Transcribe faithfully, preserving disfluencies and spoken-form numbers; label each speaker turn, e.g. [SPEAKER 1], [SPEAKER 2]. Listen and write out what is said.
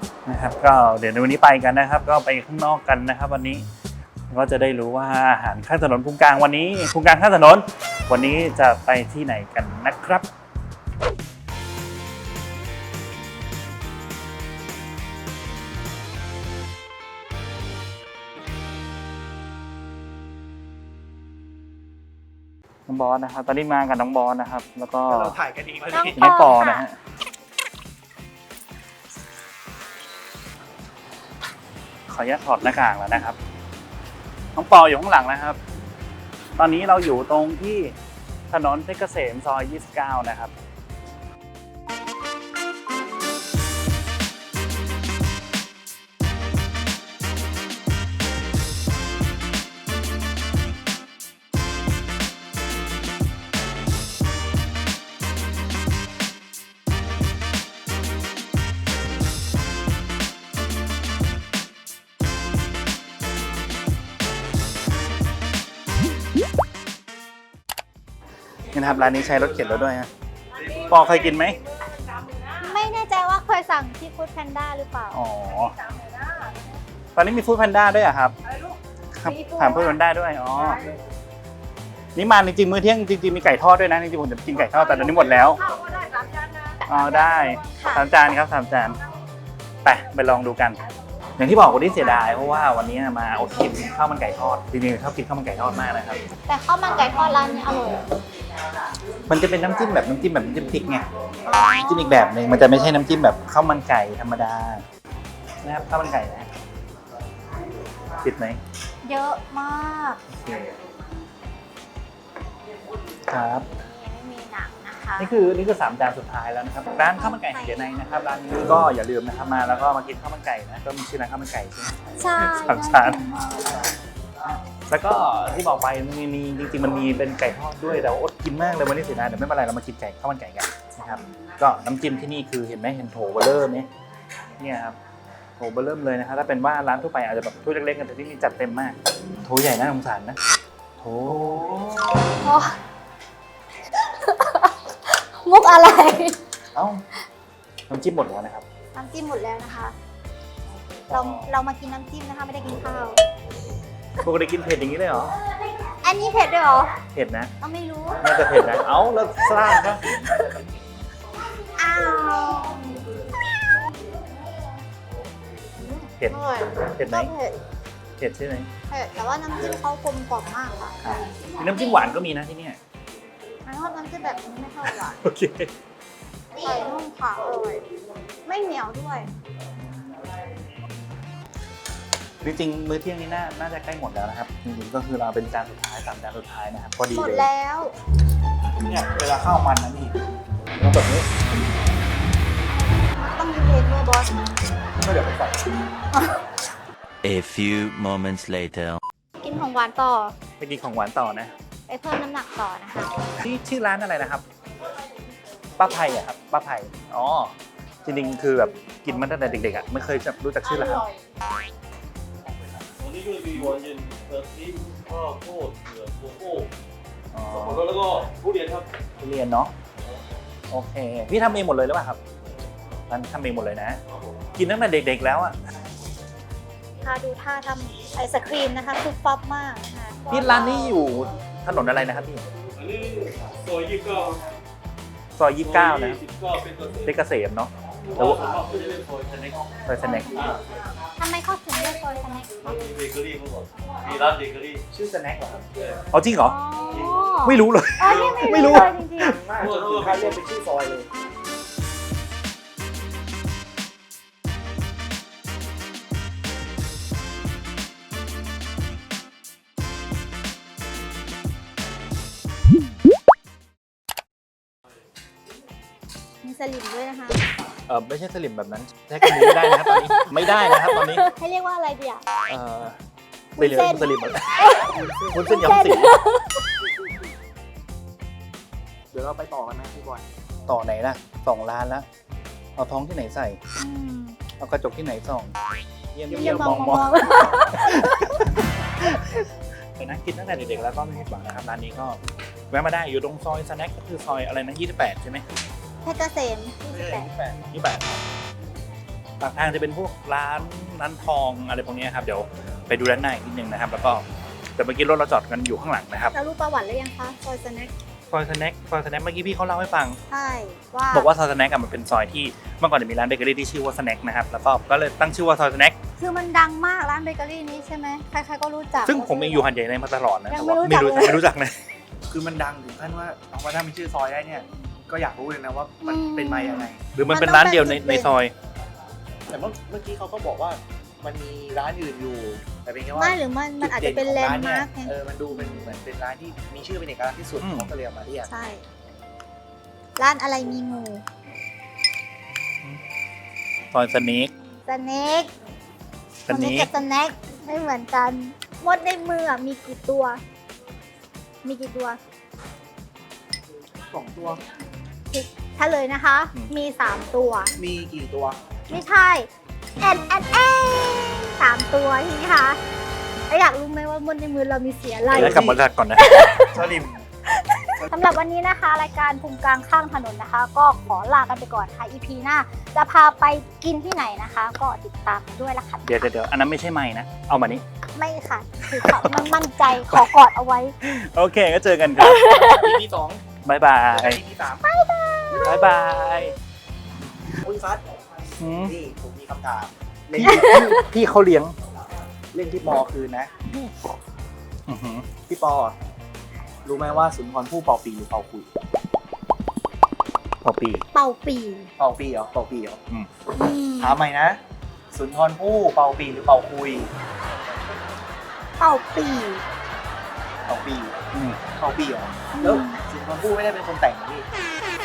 [SPEAKER 1] นะครับก็เดี๋ยวในวันนี้ไปกันนะครับก็ไปข้างนอกกันนะครับวันนี้ก็จะได้รู้ว่าอาหารข้างถนนภูกลางวันนี้ภูกลางข้างถนนวันนี้จะไปที่ไหนกันนะครับน้องบอสนะครับตอนนี้มากับน้องบอสนะครับแล้วก็เราถ่ายกันอีกแล้วน้องปอนะฮะขออนุญาตถอดหน้ากากแล้วนะครับน้องปออยู่ข้างหลังนะครับตอนนี้เราอยู่ตรงที่ถนนเพชรเกษมซอยยี่สิบเก้านะครับนี่นะครับร้านนี้ใช้รถเข็นแล้วด้วยฮะปอเคยกินไหม
[SPEAKER 2] ไม่แน่ใจว่าเคยสั่งที่ฟู้ดแพนด้าหรือเปล่า
[SPEAKER 1] อ๋อตอนนี้มีฟู้ดแพนด้าด้วยอะครับครับถามฟู้ดแพนด้าด้วยอ๋อนี่มาจริงๆมื้อเที่ยงจริงๆมีไก่ทอดด้วยนะจริงๆผมจะกินไก่ทอดแต่ตอนนี้หมดแล้วอ๋อได้สามจานครับสามจานไปไปลองดูกันอย่างที่บอกวันนี้เสียดายเพราะว่าวันนี้มาอดกินข้าวมันไก่ทอดจริงๆชอบกินข้าวมันไก่ทอดมากนะครับ
[SPEAKER 2] แต่ข้าวมันไก่ทอดร้านนี้อร่อย
[SPEAKER 1] มันจะเป็นน้ำจิ้มแบบน้ำจิ้มแบบน้ำจิ้มพริกไงน้ำจิ้มอีกแบบหนึ่งมันจะไม่ใช่น้ำจิ้มแบบข้าวมันไก่ธรรมดานะครับข้าวมันไก่นะติดไหม
[SPEAKER 2] เยอะมาก
[SPEAKER 1] ครับ
[SPEAKER 2] ไม่มีหนังนะคะ
[SPEAKER 1] นี่คือนี่คือสามจานสุดท้ายแล้วนะครับร้านข้าวมันไก่เดียในนะครับร้านนี้ก็อย่าลืมนะครับมาแล้วก็มากินข้าวมันไก่นะก็มีชื่อร้านข้าวมันไก่ใช่ไหม
[SPEAKER 2] ใช่
[SPEAKER 1] สามจานแล้วก็ที่บอกไปมันมีจริงๆมันมีเป็นไก่ทอดด้วยแต่อดกินมากเลยวันนี้เสียดายเดี๋ยวไม่เป็นไรเรามากินไก่ข้าวมันไก่กันนะครับก็น้ำจิ้มที่นี่คือเห็นไหมเห็นโถเบลเลอร์ไหมเนี่ยครับโถเบลเลอร์เลยนะครับถ้าเป็นว่าร้านทั่วไปอาจจะแบบถ้วยเล็กๆกันแต่ที่นี่จัดเต็มมากโถใหญ่น่าสงสารนะโถ
[SPEAKER 2] มุกอะไร
[SPEAKER 1] เอ้าน้ำจิ้มหมดแล้วนะครับ
[SPEAKER 2] น้ำจิ้มหมดแล้วนะคะเราเรามากินน้ำจิ้มนะคะไม่ได้กินข้าว
[SPEAKER 1] ปกติกินเผ็ดอย่างนี้เลยเหรอ
[SPEAKER 2] อันนี้เผ็ดด้วยเหรอ
[SPEAKER 1] เผ็ดนะ
[SPEAKER 2] ก็ไม่รู้
[SPEAKER 1] น่าจะเผ็ดนะเอ้าแล้วสร้างก็
[SPEAKER 2] อ้าว
[SPEAKER 1] เผ็ดเผ็ดไหมเผ็ดใช่ไหม
[SPEAKER 2] เผ็ดแต่ว่าน้ำจิ้มเขากลมกล่อมมากค่ะ
[SPEAKER 1] น้ำจิ้มหวานก็มีนะที่นี่
[SPEAKER 2] น้ำน้ำจิ้มแบบนี้ไม่เท่าไหร่
[SPEAKER 1] โอเค
[SPEAKER 2] ไก่นุ่มขาวอร่อยไม่เหนียวด้วย
[SPEAKER 1] จริงๆมื้อเที่ยงนี้น่าน่าจะใกล้หมดแล้วนะครับจริงๆก็คือเราเป็นจานสุดท้ายสามจานสุดท้ายนะครับพอดีเลย
[SPEAKER 2] หมดแล้ว
[SPEAKER 1] เนี่ยเวลาข้าวมันนะนี่ต้องแบบนี้
[SPEAKER 2] ต้องมีเพลงด้วยบอส
[SPEAKER 1] ก็เดี๋ยวไปใส่
[SPEAKER 3] A few moments later
[SPEAKER 2] กินของหวานต่อ
[SPEAKER 1] ไปกินของหวานต่อนะ
[SPEAKER 2] ไปเพิ่มน้ำหนักต่อนะคะ
[SPEAKER 1] ที่ชื่อร้านอะไรนะครับป้าไพอะครับป้าไพอ๋อจริงๆคือแบบกินมาตั้งแต่เด็กๆอ่ะไม่เคยรู้จักชื่อร้าน
[SPEAKER 4] วันนี้ก็มีวันเย็นเติร์ทิมข้าวโพดเผือกโกโก้สับปะรดแล้วก็ทุเรียนครับ
[SPEAKER 1] ทุเรียนเนาะโอเคพี่ทำเองหมดเลยหรือเปล่าครับร้านทำเองหมดเลยนะกินตั้งแต่เด็กๆแล้วอ่ะ
[SPEAKER 2] พาดูท่าทำไอศครีมนะคะคือป๊อปมากนะคะ
[SPEAKER 1] พี่ร้านนี้อยู่ถนนอะไรนะครับพี่
[SPEAKER 4] อันนี้ซอยยี่สิบเก้า
[SPEAKER 1] ซอยยี่สิบเก้านะ
[SPEAKER 4] เป็น
[SPEAKER 1] เกษมเนาะ
[SPEAKER 4] แต่ว่าเขาจะเรียกซอยสแน็ค
[SPEAKER 1] ซอยสแน็ค
[SPEAKER 2] ทำไมเขาถึงเรียกซอยสแน็ค
[SPEAKER 4] มีเบเกอรี่เมื่อก่อนมีร้านเบเกอรี่
[SPEAKER 1] ชื่อสแน็คเหรอครับอ๋อจริงเหรอไม่รู้เลย
[SPEAKER 2] ไม่รู้เลยจริง
[SPEAKER 1] ๆมากจนถึงขั้นเรียกเป็นชื่อซอยเลย
[SPEAKER 2] มีสลิมด้วยนะคะ
[SPEAKER 1] เออไม่ใช่สลิมแบบนั้นใช้คำนี้ไม่ได้นะครับตอนนี้ไม่ได้นะครับตอนนี้
[SPEAKER 2] ให้เรียกว่าอะไรดีอ่ะ
[SPEAKER 1] เออสลิมสลิมอะไรคุณเส้นยำสีเดี๋ยวเราไปต่อกันนะพี่บอยต่อไหนล่ะสองล้านแล้วเอาท้องที่ไหนใส่เอากระจกที่ไหนส่องเยี่ยมเยี่ยมมองมองไปนั่งกินตั้งแต่เด็กๆแล้วก็ไม่ผิดหวังนะครับร้านนี้ก็แวะมาได้อยู่ตรงซอยสแน็คก็คือซอยอะไรนะยี่สิบแปดใช่ไหม
[SPEAKER 2] เพชรเกษมยี่สิบแปด
[SPEAKER 1] ยี่สิบแปดปากทางจะเป็นพวกร้านร้านทองอะไรพวกนี้ครับเดี๋ยวไปดูด้านในนิดนึงนะครับแล้วก็แต่เมื่อกี้รถเราจอดกันอยู่ข้างหลังนะครับ
[SPEAKER 2] แล้วรู้ประวัติหรือยังคะซอยสแน็ค
[SPEAKER 1] ซอยสแน็คซอยสแน็คเมื่อกี้พี่เขาเล่าให้ฟัง
[SPEAKER 2] ใช่ว่า
[SPEAKER 1] บอกว่าซอยสแน็คอะมันเป็นซอยที่เมื่อก่อนจะมีร้านเบเกอรี่ที่ชื่อว่าสแน็คนะครับแล้วก็ก็เลยตั้งชื่อว่าซอยสแน็ค
[SPEAKER 2] คือมันดังมากร้านเบเกอรี่นี้ใช่ไหมใครๆก็รู้จัก
[SPEAKER 1] ซึ่งผมเองอยู่หันใหญ่ในมาตลอดนะ
[SPEAKER 2] ยัง
[SPEAKER 1] แต่
[SPEAKER 2] ไม่
[SPEAKER 1] ว่า
[SPEAKER 2] รู้จั
[SPEAKER 1] ไม่
[SPEAKER 2] ก
[SPEAKER 1] รู้
[SPEAKER 2] เลย
[SPEAKER 1] ไม่รู้จักนะ
[SPEAKER 5] คือมันดังถึงขั้นว่าเอาว่าถ้ามันชื่อซอยได้เนี่ย ก็อยากรู้เลยนะว่ามันเป็นมาอย่างไง
[SPEAKER 1] หรือมันเป็นร้านเดียวในในซอย
[SPEAKER 5] แต่เมื่อเมื่อกี้เขาก็บอกว่ามันมีร้านอื่นอยู่ แต่เป็นแค่ว่า
[SPEAKER 2] ไม่หรือมันมันอาจจะเป็นแลนด์มาร์คไง
[SPEAKER 5] เออมันดูเป็นเหมือนเป็นร้านที่มีชื่อเป็นเอกลักษณ์ที่สุด
[SPEAKER 1] อืม
[SPEAKER 5] เขาก็เลยเอามาเรียก
[SPEAKER 2] ใช่ ร้านอะไรมีงู
[SPEAKER 1] ซอยสแน็ค
[SPEAKER 2] สแน็ค
[SPEAKER 1] ส
[SPEAKER 2] สแน็
[SPEAKER 1] แน็
[SPEAKER 2] ค
[SPEAKER 1] ค
[SPEAKER 2] กับสแน็คไม่เหมือนกันมดในมืออะมีกี่ตัว มีกี่ตัว
[SPEAKER 5] สองตัว
[SPEAKER 2] ถ้าเลยนะคะ มีสามตัว
[SPEAKER 5] มีกี่ตัว
[SPEAKER 2] ไม่ใช่แอนแอนแอนสามตัวใช่ไหมคะแล้วอยากรู้ไหมว่ามดในมือเรามีเสียอะไร
[SPEAKER 1] แล้วกลับบริษัทก่อนนะ
[SPEAKER 5] สลิม
[SPEAKER 2] สำหรับวันนี้นะคะ รายการภูมิกลางข้างถนนนะคะ ก็ขอลากันไปก่อนค่ะ อี พี หน้าจะพาไปกินที่ไหนนะคะ ก็ติดตามกันด้วยละค่ะ
[SPEAKER 1] เดี๋ยวเดี๋ยวเดี๋ยวอันนั้นไม่ใช่ไม้นะ เอามานี้
[SPEAKER 2] ไม่ค่ะ คือเขามันมั่นใจขอกอดเอาไว้
[SPEAKER 1] โอเคก็เจอกันครับ
[SPEAKER 5] อีพีสอง
[SPEAKER 1] บายบาย
[SPEAKER 5] อีพีสาม
[SPEAKER 1] บายบาย
[SPEAKER 5] อุ้ยฟัด
[SPEAKER 1] หืม
[SPEAKER 5] นี่ผมมีคำถามเล่น
[SPEAKER 1] พี่พี่พี่เขาเลี้ยง
[SPEAKER 5] เล่นที่ปอคืนนะ
[SPEAKER 1] อื้อหือ
[SPEAKER 5] พี่ปอ รู้ไหมว่าสุนทรภู่เป่าปีหรือเป่าคุย
[SPEAKER 1] พอปี
[SPEAKER 2] เป่าปี
[SPEAKER 5] เป่าปีเหรอเป่าปีเหรอ
[SPEAKER 2] อืม
[SPEAKER 5] ถามใหม่นะ สุนทรภู่เป่าปีหรือเป่าคุย
[SPEAKER 2] เป่าปี
[SPEAKER 5] เป่าปี
[SPEAKER 1] อืม
[SPEAKER 5] เป่าปีเหรอแล้วสุนทรภู่ไม่ได้เป็นคนแต่งเหรอพี่